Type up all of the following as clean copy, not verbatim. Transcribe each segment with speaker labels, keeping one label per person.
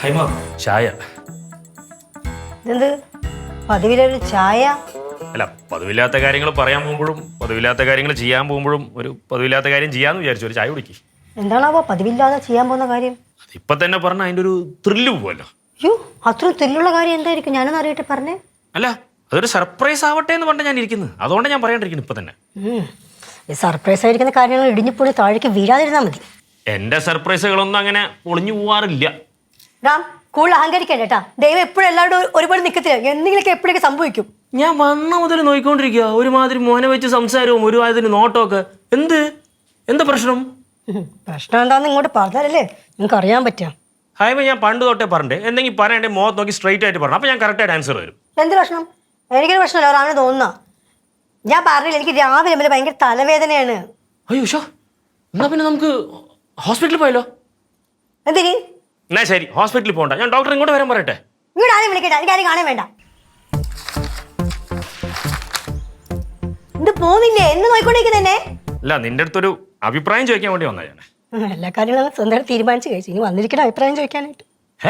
Speaker 1: ഹൈമ ചായ.
Speaker 2: ഇതെന്ത് പതിവിലൊരു ചായ?
Speaker 1: അല്ല, പതിവില്ലാത്ത കാര്യങ്ങൾ പറയാൻ പോകുമ്പോഴും പതിവില്ലാത്ത കാര്യങ്ങൾ ചെയ്യാൻ പോകുമ്പോഴും ഒരു പതിവില്ലാത്ത കാര്യം ചെയ്യാന്ന് വിചാരിച്ചു. ഒരു ചായ കുടിക്ക്.
Speaker 2: എന്താണാവോ പതിവില്ലാതെ ചെയ്യാൻ പോകുന്ന കാര്യം?
Speaker 1: അതിപ്പോ തന്നെ പറഞ്ഞ അതിന്റെ ഒരു ത്രില്ല് പോവല്ലോ.
Speaker 2: അയ്യോ, അത്രയും ത്രില്ലുള്ള കാര്യം എന്തായിരിക്കും? ഞാനൊന്ന് അറിയട്ടെ, പറഞ്ഞേ.
Speaker 1: അല്ല, അതൊരു സർപ്രൈസ് ആവട്ടെ എന്ന് പറഞ്ഞാൽ ഞാൻ ഇരിക്കുന്നത്. അതുകൊണ്ട് ഞാൻ പറയാണ്ടിരിക്കുന്നു ഇപ്പൊ തന്നെ.
Speaker 2: ഈ സർപ്രൈസ് ആയിരിക്കുന്ന കാര്യങ്ങൾ ഇടിഞ്ഞിപ്പൊളി താഴേക്ക് വീഴാതിരുന്നാൽ മതി.
Speaker 1: എന്റെ സർപ്രൈസുകളൊന്നും അങ്ങനെ ഒളിഞ്ഞു പോവാറില്ല.
Speaker 2: റാം, കൂടുതൽ അഹങ്കരിക്കണ്ട കേട്ടാ. ദൈവം എപ്പോഴും എല്ലാവരും ഒരുപാട് നിൽക്കത്തില്ല. എന്തെങ്കിലുമൊക്കെ എപ്പോഴൊക്കെ സംഭവിക്കും.
Speaker 1: ഞാൻ വന്ന മുതൽ നോക്കിക്കൊണ്ടിരിക്കുക. ഒരുമാതിരി മോനെ വെച്ച് സംസാരവും ഒരുമാതിരി നോട്ടമൊക്കെ. എന്താ പ്രശ്നം?
Speaker 2: പ്രശ്നം എന്താന്ന് ഇങ്ങോട്ട് പറഞ്ഞാലല്ലേ നിങ്ങൾക്ക് അറിയാൻ പറ്റാം.
Speaker 1: ഹൈമ, ഞാൻ പണ്ട് തൊട്ടേ പറഞ്ഞേ, എന്തെങ്കിലും പറയണ്ടേ മുഖത്ത് നോക്കി സ്ട്രൈറ്റ് ആയിട്ട് പറഞ്ഞു. അപ്പൊ ഞാൻ കറക്റ്റായിട്ട് ആൻസർ വരും.
Speaker 2: എന്ത് പ്രശ്നം? എനിക്കൊരു പ്രശ്നമല്ല, റാമിന് തോന്നുന്ന. ഞാൻ പറഞ്ഞില്ല, എനിക്ക് രാവിലെ മുതൽ ഭയങ്കര തലവേദനയാണ്.
Speaker 1: അയ്യോ ഷോ, എന്നാ പിന്നെ നമുക്ക് ഹോസ്പിറ്റലിൽ പോയല്ലോ.
Speaker 2: എന്തിന്?
Speaker 1: എന്നാ ശരി, ഹോസ്പിറ്റലിൽ പോകണ്ട. ഞാൻ ഡോക്ടർ ഇങ്ങോട്ട് വരാൻ പറയട്ടെ.
Speaker 2: ഇങ്ങോട്ട് ആരും വിളിക്കട്ടെ, എനിക്ക് ആരും കാണാൻ വേണ്ട. ഇത് പോകുന്നില്ലേ? എന്ന് നോയിക്കൊണ്ടിരിക്കുന്നേ.
Speaker 1: അല്ല, നിന്റെ അടുത്തൊരു അഭിപ്രായം ചോദിക്കാൻ വേണ്ടി വന്നാ ഞാൻ.
Speaker 2: എല്ലാ കാര്യങ്ങളും സ്വന്തമായിട്ട് തീരുമാനിച്ച് കഴിച്ചു. ഇനി വന്നിരിക്കുന്ന അഭിപ്രായം ചോദിക്കാനായിട്ട്.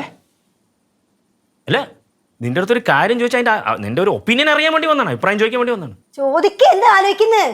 Speaker 1: അല്ല, നിന്റെ അടുത്തൊരു കാര്യം ചോദിച്ചാൽ അതിന്റെ നിന്റെ ഒരു ഒപ്പീനിയൻ അറിയാൻ വേണ്ടി വന്നാണ്, അഭിപ്രായം ചോദിക്കാൻ വേണ്ടി വന്നാണ്.
Speaker 2: ചോദിക്ക, എന്താ ആലോചിക്കുന്നത്?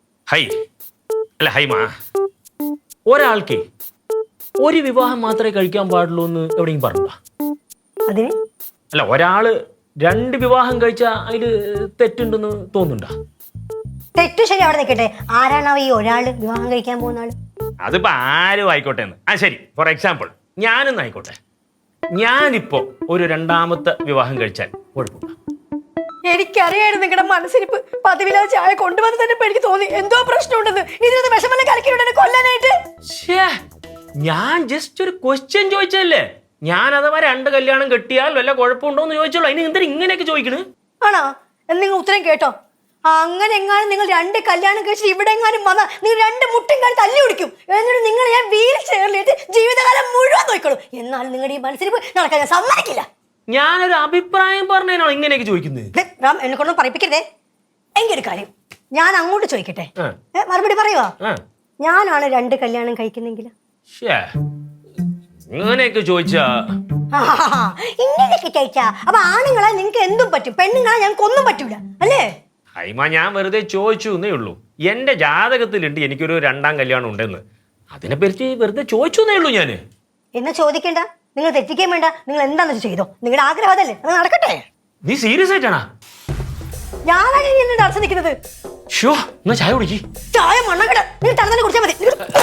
Speaker 1: ഹൈമ, ഒരാൾക്ക് ഒരു വിവാഹം മാത്രമേ കഴിക്കാൻ പാടുള്ളൂ എന്ന് എവിടെയും പറഞ്ഞ?
Speaker 2: അതിന്
Speaker 1: അല്ല, ഒരാള് 2 വിവാഹം കഴിച്ചാൽ അതില് തെറ്റുണ്ടെന്ന് തോന്നുന്നുണ്ടോ?
Speaker 2: തെറ്റു ശരി അവിടെ നിൽക്കട്ടെ. ആരാണാവോ ഈ ഒരാള് വിവാഹം കഴിക്കാൻ പോകുന്ന ആള്?
Speaker 1: അതിപ്പോ ആരും ആയിക്കോട്ടെ എന്ന്. ശരി, ഫോർ എക്സാമ്പിൾ ഞാനൊന്നും ആയിക്കോട്ടെ. ഞാനിപ്പോ ഒരു 2ാമത്തെ വിവാഹം കഴിച്ചാൽ കുഴപ്പമില്ല.
Speaker 2: എനിക്കറിയായിരുന്നു നിങ്ങളുടെ മനസ്സിരിപ്പ്. പതിവില്ലാതെ ചായ കൊണ്ടുവന്ന് തന്നെ എനിക്ക് തോന്നി എന്തോ പ്രശ്നമുണ്ടെന്ന്. ഇതിനകത്ത് വിഷമല്ല കലക്കിയിട്ടുണ്ട് കൊല്ലാനായിട്ട്.
Speaker 1: ഞാൻ ജസ്റ്റ് ഒരു ക്വസ്റ്റ്യൻ ചോദിച്ചല്ലേ. ഞാൻ അഥവാ 2 കല്യാണം കെട്ടിയാൽ വല്ല കുഴപ്പമുണ്ടോ എന്ന് ചോദിച്ചോളൂ. അതിന് എന്തിനാ ഇങ്ങനെയൊക്കെ ചോദിക്കണ്?
Speaker 2: ആണോ? നിങ്ങൾ ഉത്തരം കേട്ടോ. അങ്ങനെ എങ്ങാനും നിങ്ങൾ 2 കല്യാണം കഴിച്ചിട്ട് ഇവിടെ എങ്ങാനും വന്നാൽ നിങ്ങൾ 2 മുട്ടും കാലം തല്ലി പിടിക്കും. എന്നിട്ട് നിങ്ങൾ ഞാൻ വീൽ ചെയറിലിട്ട് ജീവിതകാലം മുഴുവൻ നോക്കിക്കോളൂ. എന്നാലും നിങ്ങളുടെ ഈ മനസ്സിരിപ്പ് നടക്കാൻ ഞാൻ സമ്മതിക്കില്ല.
Speaker 1: ഞാനൊരു അഭിപ്രായം പറഞ്ഞതിനാണോ ഇങ്ങനെയൊക്കെ ചോദിക്കുന്നത്?
Speaker 2: റാം, എന്നെ കൊണ്ടൊന്നും പറയിപ്പിക്കരുതേ. എങ്കിൽ ഒരു കാര്യം ഞാൻ അങ്ങോട്ട് ചോദിക്കട്ടെ, മറുപടി പറയുവാ. ഞാനാണ് 2 കല്യാണം കഴിക്കുന്നെങ്കിൽ
Speaker 1: ഇങ്ങനെയൊക്കെ ചോദിച്ചാ
Speaker 2: ഇങ്ങനെയൊക്കെ ചോദിച്ചാ അപ്പൊ ആണുങ്ങളെ നിങ്ങൾക്ക് എന്തും പറ്റും, പെണ്ണുങ്ങളെ ഞങ്ങൾക്ക് ഒന്നും പറ്റൂല അല്ലേ?
Speaker 1: ഹൈമ, ഞാൻ വെറുതെ ചോദിച്ചു എന്നേ ഉള്ളൂ. എന്റെ ജാതകത്തിലുണ്ട് എനിക്കൊരു 2ാം കല്യാണം ഉണ്ടെന്ന്. അതിനെപ്പറ്റി വെറുതെ ചോദിച്ചു എന്നേ ഉള്ളൂ ഞാന്.
Speaker 2: എന്നെ ചോദിക്കണ്ട, നിങ്ങൾ തെറ്റിക്കാൻ വേണ്ട. നിങ്ങൾ എന്താണെന്ന് ചെയ്തോ, നിങ്ങളുടെ ആഗ്രഹം അതല്ലേ, അത് നടക്കട്ടെ.
Speaker 1: നീ സീരിയസ് ആയിട്ടാണാ?
Speaker 2: ഞാനാണ് എന്നെ തടസ്സം നിൽക്കുന്നത്.
Speaker 1: ഷോ, എന്നാ ചായ കുടിക്ക്.
Speaker 2: ചായ മണ്ണക്കട നിങ്ങൾ തന്നെ കുടിച്ചാൽ മതി.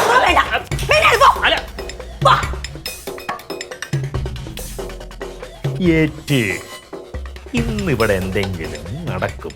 Speaker 1: ഇന്നിവിടെ എന്തെങ്കിലും നടക്കും.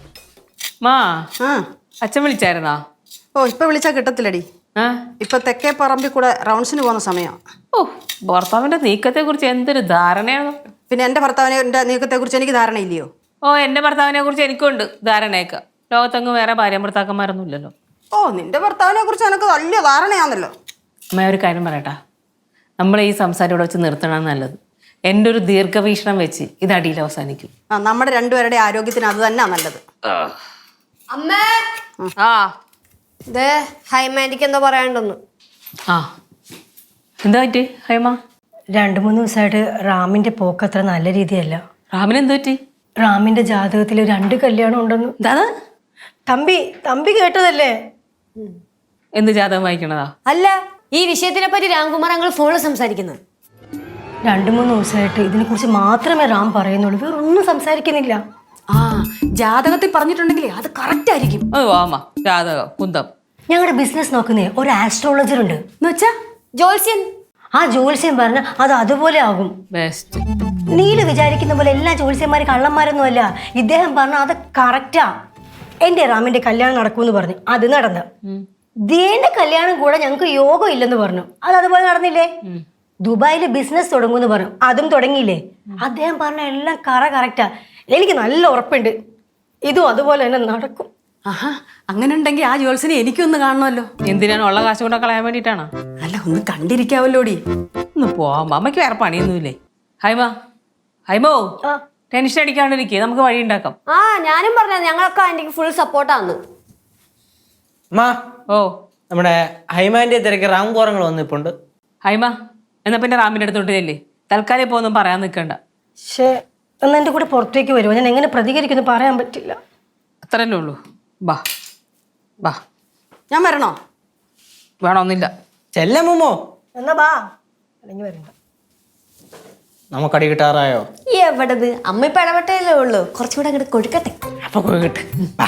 Speaker 3: അച്ഛൻ വിളിച്ചായിരുന്നാ?
Speaker 4: ഓ, ഇപ്പൊ വിളിച്ചാ കിട്ടത്തില്ലടി. ഇപ്പൊ തെക്കേ പറമ്പിൽ കൂടെ റൗണ്ട്സിന് പോകുന്ന സമയം.
Speaker 3: ഓ, ഭർത്താവിന്റെ നീക്കത്തെ കുറിച്ച് എന്തൊരു ധാരണയാണ്. പിന്നെ
Speaker 4: എന്റെ ഭർത്താവിന്റെ നീക്കത്തെ കുറിച്ച് എനിക്ക് ധാരണയില്ലയോ?
Speaker 3: ഓ, എന്റെ ഭർത്താവിനെ കുറിച്ച് എനിക്കുണ്ട് ധാരണയൊക്കെ. ലോകത്തെങ്ങും വേറെ ഭാര്യ ഭർത്താക്കന്മാരൊന്നും ഇല്ലല്ലോ.
Speaker 4: ഓ, നിന്റെ ഭർത്താവിനെ കുറിച്ച് എനിക്ക് വലിയ ധാരണയാണല്ലോ.
Speaker 3: അമ്മ, ഒരു കാര്യം പറയട്ടാ, നമ്മൾ ഈ സംസാരം ഇവിടെ വെച്ച് നിർത്തണം നല്ലത്. എൻ്റെ ഒരു ദീർഘവീക്ഷണം വെച്ച് ഇത് അടിയിൽ അവസാനിക്കും.
Speaker 4: നമ്മുടെ രണ്ടുപേരുടെ ആരോഗ്യത്തിന് അത് തന്നെ നല്ലത്.
Speaker 5: അമ്മേ, ഹൈമാൻഡിക്ക് എന്തോ പറയാനുണ്ടെന്ന്.
Speaker 3: എന്താ പറ്റി ഹൈമ?
Speaker 2: 2-3 ദിവസമായിട്ട് റാമിന്റെ പോക്ക് അത്ര നല്ല രീതിയല്ല.
Speaker 3: റാമിന് എന്ത് പറ്റി?
Speaker 2: റാമിന്റെ ജാതകത്തിൽ 2 കല്യാണം ഉണ്ടെന്ന്.
Speaker 3: എന്താ?
Speaker 2: തമ്പി കേട്ടതല്ലേ?
Speaker 3: എന്ത് ജാതകം വായിക്കണതാ?
Speaker 5: അല്ല, ഈ വിഷയത്തിനെ പറ്റി രാംകുമാർ ഞങ്ങൾ ഫോണിൽ സംസാരിക്കുന്നത്.
Speaker 2: 2-3 ദിവസമായിട്ട് ഇതിനെ കുറിച്ച് മാത്രമേ റാം പറയുന്നുള്ളൂ, വേറെ ഒന്നും സംസാരിക്കുന്നില്ല.
Speaker 4: ജാതകത്തിൽ പറഞ്ഞിട്ടുണ്ടെങ്കിൽ അത് കറക്റ്റ് ആയിരിക്കും.
Speaker 3: ജാതകം കുന്തം.
Speaker 2: ഞങ്ങളുടെ ബിസിനസ് നോക്കുന്നേ ഒരു ആസ്ട്രോളജർ ഉണ്ട്.
Speaker 4: എന്നുവെച്ചാ
Speaker 5: ജോത്സ്യൻ.
Speaker 2: ആ ജോത്സ്യൻ പറഞ്ഞ അത് അതുപോലെ ആകും.
Speaker 3: ബെസ്റ്റ്.
Speaker 2: നീല് വിചാരിക്കുന്ന പോലെ എല്ലാ ജോത്സ്യന്മാരും കള്ളന്മാരൊന്നും അല്ല. ഇദ്ദേഹം പറഞ്ഞ അത് കറക്റ്റാ. എന്റെ റാമിന്റെ കല്യാണം നടക്കുമെന്ന് പറഞ്ഞു, അത് നടന്നു. ദേന്റെ കല്യാണം കൂടെ ഞങ്ങൾക്ക് യോഗം ഇല്ലെന്ന് പറഞ്ഞു, അത് അതുപോലെ നടന്നില്ലേ? ദുബായില് ബിസിനസ് തുടങ്ങുമെന്ന് പറഞ്ഞു, അതും തുടങ്ങിയില്ലേ? അദ്ദേഹം പറഞ്ഞ എല്ലാം കറക്റ്റാ. എനിക്ക് നല്ല ഉറപ്പുണ്ട് ഇതും അതുപോലെ തന്നെ നടക്കും.
Speaker 4: അങ്ങനെ ഉണ്ടെങ്കിൽ ആ ജോത്സ്യനെ എനിക്കൊന്ന് കാണണമല്ലോ.
Speaker 3: എന്തിനാണ് ഉള്ള കാശ് കൊണ്ടൊക്കെ കളയാൻ വേണ്ടിട്ടാണോ?
Speaker 4: അല്ല, ഒന്ന് കണ്ടിരിക്കാവല്ലോടി.
Speaker 3: ഒന്ന് പോവാം, അമ്മയ്ക്ക് വേറെ പണിയൊന്നുമില്ലേ? ഹൈമോ, ടെൻഷൻ അടിക്കാണ്ടിരിക്കേ, നമുക്ക് വഴി ഉണ്ടാക്കാം.
Speaker 5: ഞാനും പറഞ്ഞ ഞങ്ങളൊക്കെ ആന്റിക്ക് ഫുൾ സപ്പോർട്ടാന്ന്.
Speaker 3: ഓ,
Speaker 6: നമ്മുടെ ഹൈമാന്റെ തിരക്ക് റാം കോറങ്ങൾ വന്നിപ്പുണ്ട്.
Speaker 3: ഹൈമ, എന്നാ പിന്നെ റാമിന്റെ അടുത്തോട്ട് ചെല്ലേ. തൽക്കാലം ഇപ്പോൾ ഒന്നും പറയാൻ നിൽക്കണ്ട.
Speaker 2: പക്ഷേ ഒന്ന് എൻ്റെ കൂടെ പുറത്തേക്ക് വരുമോ? ഞാൻ എങ്ങനെ പ്രതികരിക്കുന്നു പറയാൻ പറ്റില്ല.
Speaker 3: അത്രല്ലേ ഉള്ളൂ. ബാ ബാ.
Speaker 4: ഞാൻ വരണോ?
Speaker 3: വേണമെന്നില്ല.
Speaker 6: ചെല്ലമ്മോ
Speaker 2: എന്നാ ബാ, അല്ലെങ്കിൽ വരണ്ട.
Speaker 6: നമുക്കടി കിട്ടാറായോ?
Speaker 5: എവിടത് അമ്മ ഇപ്പൊ ഇടപെട്ടല്ലേ ഉള്ളൂ, കുറച്ചുകൂടെ അങ്ങോട്ട് കൊടുക്കട്ടെ.
Speaker 6: അപ്പൊ പോയിട്ട്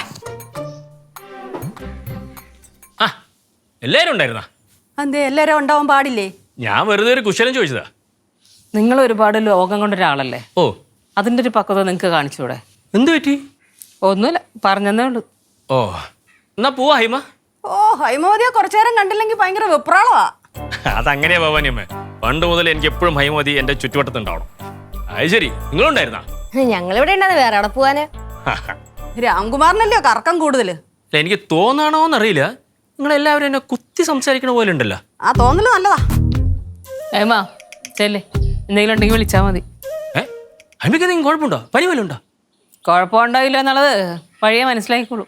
Speaker 1: ആ എല്ലാവരും ഉണ്ടായിരുന്നാ?
Speaker 4: എന്തേ എല്ലാവരും ഉണ്ടാവാൻ പാടില്ലേ?
Speaker 1: ഞാൻ വെറുതെ ഒരു കുശലം ചോദിച്ചതാ.
Speaker 3: നിങ്ങൾ ഒരുപാട് ലോകം കൊണ്ട ഒരാളല്ലേ,
Speaker 1: ഓ
Speaker 3: അതിൻ്റെ ഒരു പക്വത നിങ്ങൾക്ക് കാണിച്ചൂടെ?
Speaker 1: എന്ത് പറ്റി?
Speaker 3: ഒന്നുമില്ല, പറഞ്ഞതേ ഉള്ളൂ.
Speaker 1: ഓ എന്നാ പോവാ ഹൈമ.
Speaker 4: ഓ ഹൈമോദിയെ കുറച്ചു നേരം കണ്ടില്ലെങ്കിൽ ഭയങ്കര വെപ്രാളവാ.
Speaker 1: അതങ്ങനെയാ ഭവാനിയമ്മ. പണ്ട് മുതൽ എനിക്ക് എപ്പോഴും ഹൈമതി എന്റെ ചുറ്റുവട്ടത്തുണ്ടാവണം. അത് ശരി, നിങ്ങളുണ്ടായിരുന്നാ?
Speaker 5: ഞങ്ങളിവിടെ ഉണ്ടാകുന്ന വേറെ അവിടെ പോവാന്.
Speaker 4: രാംകുമാറിനല്ലയോ കറക്കം കൂടുതല്.
Speaker 1: അല്ല, എനിക്ക് തോന്നാണോന്നറിയില്ല, നിങ്ങളെല്ലാവരും എന്നെ കുത്തി സംസാരിക്കണ പോലെ ഉണ്ടല്ലോ.
Speaker 4: ആ തോന്നല് നല്ലതാ.
Speaker 3: ഏമാ ചെല്ലേ, എന്തെങ്കിലും ഉണ്ടെങ്കിൽ വിളിച്ചാൽ മതി.
Speaker 1: ഹൈമയ്ക്ക് എന്തെങ്കിലും കുഴപ്പമുണ്ടോ? പനി വല്ലതും ഉണ്ടോ?
Speaker 3: കുഴപ്പമുണ്ടാവില്ല എന്നുള്ളത് വഴിയെ മനസ്സിലാക്കിക്കോളൂ.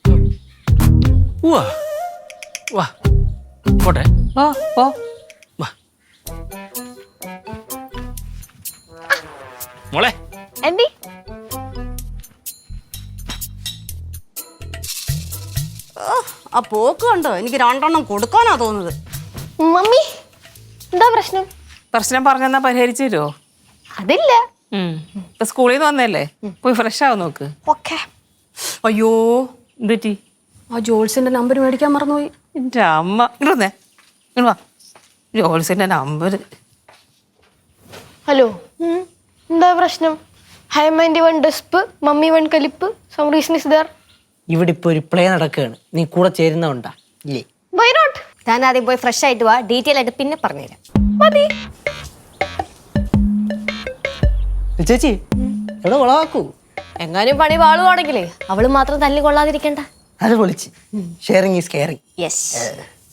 Speaker 1: വാ വാ പോട്ടെ.
Speaker 3: ഓ ഓ
Speaker 1: വാ മോളെ.
Speaker 5: എന്തി
Speaker 4: ആ പോക്ക് കണ്ടോ, എനിക്ക് രണ്ടെണ്ണം കൊടുക്കാനാ തോന്നുന്നത്.
Speaker 5: മമ്മി എന്താ പ്രശ്നം?
Speaker 3: പ്രശ്നം പറഞ്ഞെന്നാ പരിഹരിച്ചു തരുമോ?
Speaker 5: അതില്ല.
Speaker 3: ഇപ്പൊ സ്കൂളിൽ നിന്ന് വന്നല്ലേ, പോയി ഫ്രഷ് ആവും നോക്ക്.
Speaker 4: ഓക്കെ. അയ്യോ,
Speaker 3: എന്തുറ്റി?
Speaker 4: ആ ജോൾസിന്റെ നമ്പർ മേടിക്കാൻ മറന്നുപോയി.
Speaker 3: എൻ്റെ അമ്മ ഇങ്ങോട്ടേ, ഇങ്ങോട്ട് വാ. ജോൾസിന്റെ നമ്പർ.
Speaker 7: ഹലോ, എന്താ പ്രശ്നം? ഹൈമൻഡി വൺ ഡെസ്പ്, മമ്മി വൺ കലിപ്പ്, സം റീസൺ ഇസ് ദർ.
Speaker 6: ഇവിടെ ഇപ്പൊ ഒരു പ്ലേ നടക്കുകയാണ്, നീ കൂടെ ചേരുന്നോണ്ടാ ഇല്ലേ?
Speaker 7: Why not?
Speaker 5: താൻ ആദ്യം പോയി ഫ്രഷ് ആയിട്ട് വാ, ഡീറ്റെയിൽ ആയിട്ട് പിന്നെ പറഞ്ഞുതരാം.
Speaker 7: മതി.
Speaker 6: ചേച്ചി എവിടെ കൊളവാക്കൂ?
Speaker 5: എങ്ങാനും പണി പാളുവാണെങ്കിലേ അവള് മാത്രം തല്ലി കൊള്ളാതിരിക്കണ്ട.
Speaker 6: അത് പൊളിച്ച്. Sharing is caring.
Speaker 5: യെസ്.